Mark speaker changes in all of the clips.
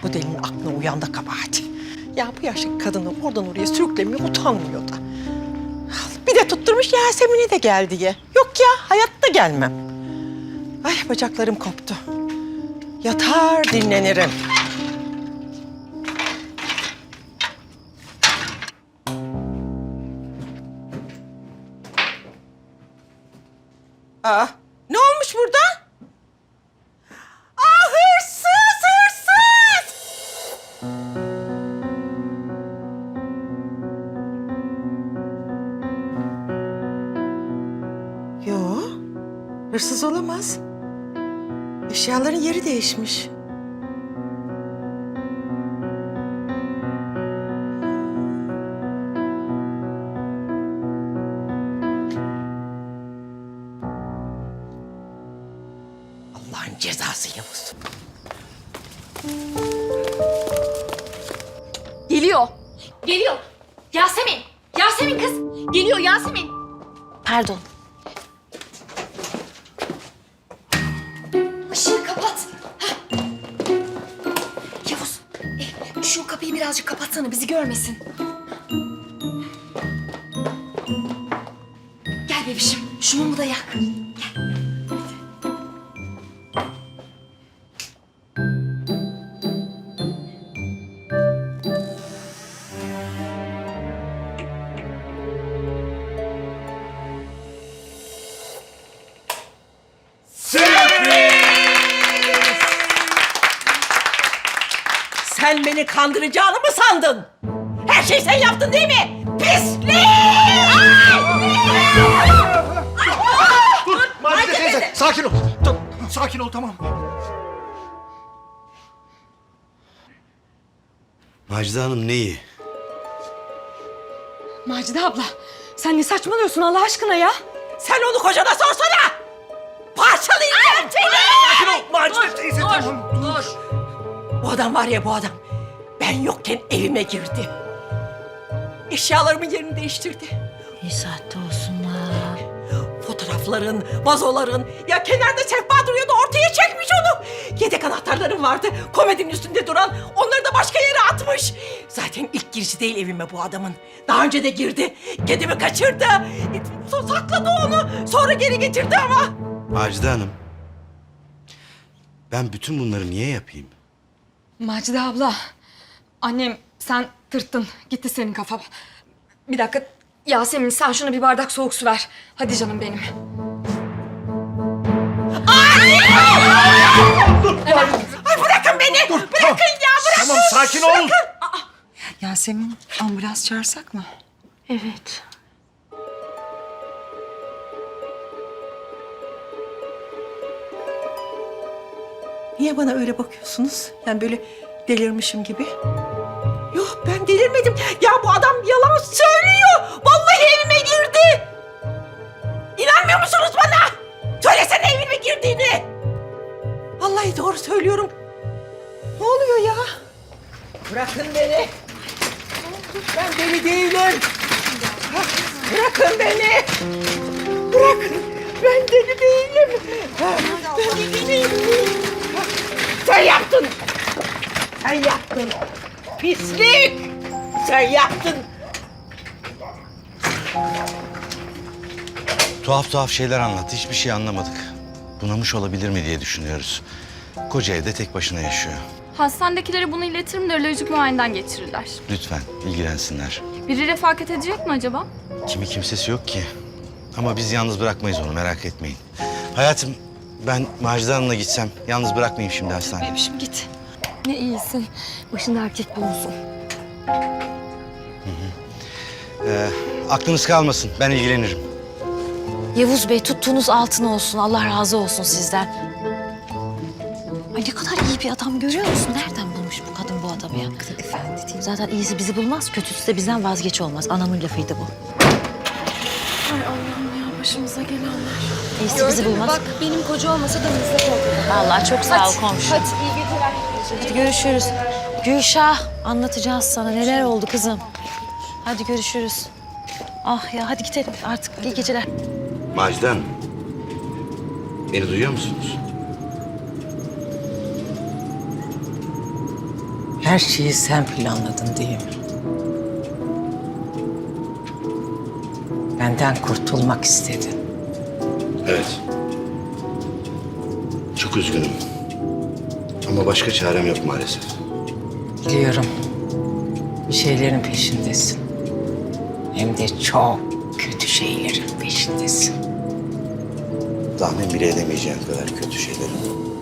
Speaker 1: Bu delinin aklına uyan da kabahat. Ya bu yaşlı kadını oradan oraya sürüklemeye utanmıyor da. Bir de tutturmuş Yasemin'i de gel diye. Yok ya, hayatta gelmem. Ay bacaklarım koptu. Yatar dinlenirim. Aa, ne olmuş burada? Aa, hırsız, hırsız! Yo, hırsız olamaz. Eşyaların yeri değişmiş. Allah'ın cezası Yavuz.
Speaker 2: Geliyor. Geliyor. Yasemin. Yasemin kız. Geliyor Yasemin. Pardon. Işığı kapat. Hah. Yavuz. Şu kapıyı birazcık kapatsana bizi görmesin. Gel bebişim. Şu mumu da yak. Gel.
Speaker 1: Sen beni kandıracağını mı sandın? Her şeyi sen yaptın değil mi? Pislik!
Speaker 3: Dur Macide teyze, sakin ol. Dur, sakin ol, tamam.
Speaker 4: Macide Hanım neyi?
Speaker 2: Macide abla. Sen ne saçmalıyorsun Allah aşkına ya?
Speaker 1: Sen onu kocana sorsana! Parçalayacağım seni!
Speaker 3: Sakin ol Macide teyze, tamam. Dur.
Speaker 1: Bu adam var ya bu adam. Ben yokken evime girdi. Eşyalarımın yerini değiştirdi.
Speaker 2: İyi saatte olsunlar.
Speaker 1: Fotoğrafların, vazoların, ya kenarda sehpa duruyordu ortaya çekmiş onu. Yedek anahtarlarım vardı komedinin üstünde duran, onları da başka yere atmış. Zaten ilk girişi değil evime bu adamın. Daha önce de girdi, kedimi kaçırdı. Sakladı onu, sonra geri getirdi ama.
Speaker 4: Macide Hanım. Ben bütün bunları niye yapayım?
Speaker 2: Macide abla. Annem sen tırttın. Gitti senin kafa. Bir dakika. Yasemin sen şuna bir bardak soğuk su ver. Hadi canım benim.
Speaker 1: Ay bırakın beni, bırakın ya, bırakın.
Speaker 3: Tamam, sakin ol.
Speaker 5: Yasemin, ambulans çağırsak mı?
Speaker 2: Evet.
Speaker 1: Niye bana öyle bakıyorsunuz? Yani böyle delirmişim gibi. Yok ben delirmedim. Ya bu adam yalan söylüyor. Vallahi evime girdi. İnanmıyor musunuz bana? Söylesene evime girdiğini. Vallahi doğru söylüyorum. Ne oluyor ya? Bırakın beni. Ben deli değilim. Bırakın beni. Bırakın. Ben deli değilim. Ben deli değilim. Sen yaptın. Sen yaptın. Pislik. Sen yaptın.
Speaker 4: Tuhaf şeyler anlattı. Hiçbir şey anlamadık. Bunamış olabilir mi diye düşünüyoruz. Koca evde tek başına yaşıyor.
Speaker 6: Hastanedekilere bunu iletirim de ölojik muayeneden geçirirler.
Speaker 4: Lütfen ilgilensinler.
Speaker 6: Biri refakat edecek mi acaba?
Speaker 4: Kimi kimsesi yok ki. Ama biz yalnız bırakmayız onu, merak etmeyin. Hayatım, ben Macide Hanım'la gitsem yalnız bırakmayayım şimdi hastaneye.
Speaker 2: Bebişim git. Ne iyisin. Başında erkek bulunsun.
Speaker 4: Aklınız kalmasın, ben ilgilenirim.
Speaker 7: Yavuz Bey tuttuğunuz altın olsun. Allah razı olsun sizden. Ay ne kadar iyi bir adam görüyor musun? Nereden bulmuş bu kadın bu adamı ya?
Speaker 5: Efendi değil.
Speaker 7: Zaten iyisi bizi bulmaz, kötüsü de bizden vazgeç olmaz. Anamın lafıydı bu.
Speaker 2: Ay Allah'ım ya başımıza gelenler.
Speaker 7: İyisi bizi bulmaz.
Speaker 2: Bak benim koca olmasa da meslek oldu.
Speaker 7: Vallahi çok sağ ol komşu.
Speaker 2: Hadi iyi geceler.
Speaker 7: Hadi görüşürüz. Gülşah anlatacağız sana neler oldu kızım. Hadi görüşürüz. Ah ya hadi gidelim artık. İyi geceler.
Speaker 4: Macide Hanım, beni duyuyor musunuz?
Speaker 8: Her şeyi sen planladın değil mi? Benden kurtulmak istedin.
Speaker 4: Evet. Çok üzgünüm. Ama başka çarem yok maalesef.
Speaker 8: Biliyorum. Bir şeylerin peşindesin. Hem de çok kötü şeylerin peşindesin.
Speaker 4: Tahmin bile edemeyeceğim kadar kötü şeylerim.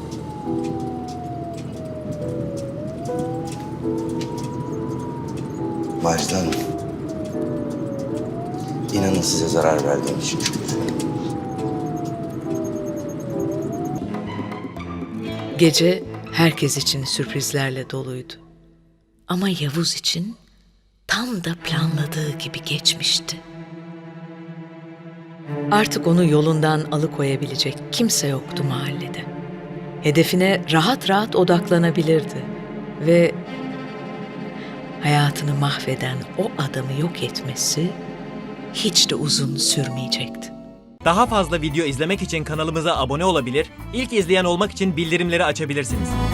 Speaker 4: Macide Hanım. İnanın size zarar verdiğim için çok üzgünüm.
Speaker 9: Gece herkes için sürprizlerle doluydu. Ama Yavuz için tam da planladığı gibi geçmişti. Artık onu yolundan alıkoyabilecek kimse yoktu mahallede. Hedefine rahat rahat odaklanabilirdi ve hayatını mahveden o adamı yok etmesi hiç de uzun sürmeyecekti.
Speaker 10: Daha fazla video izlemek için kanalımıza abone olabilir, ilk izleyen olmak için bildirimleri açabilirsiniz.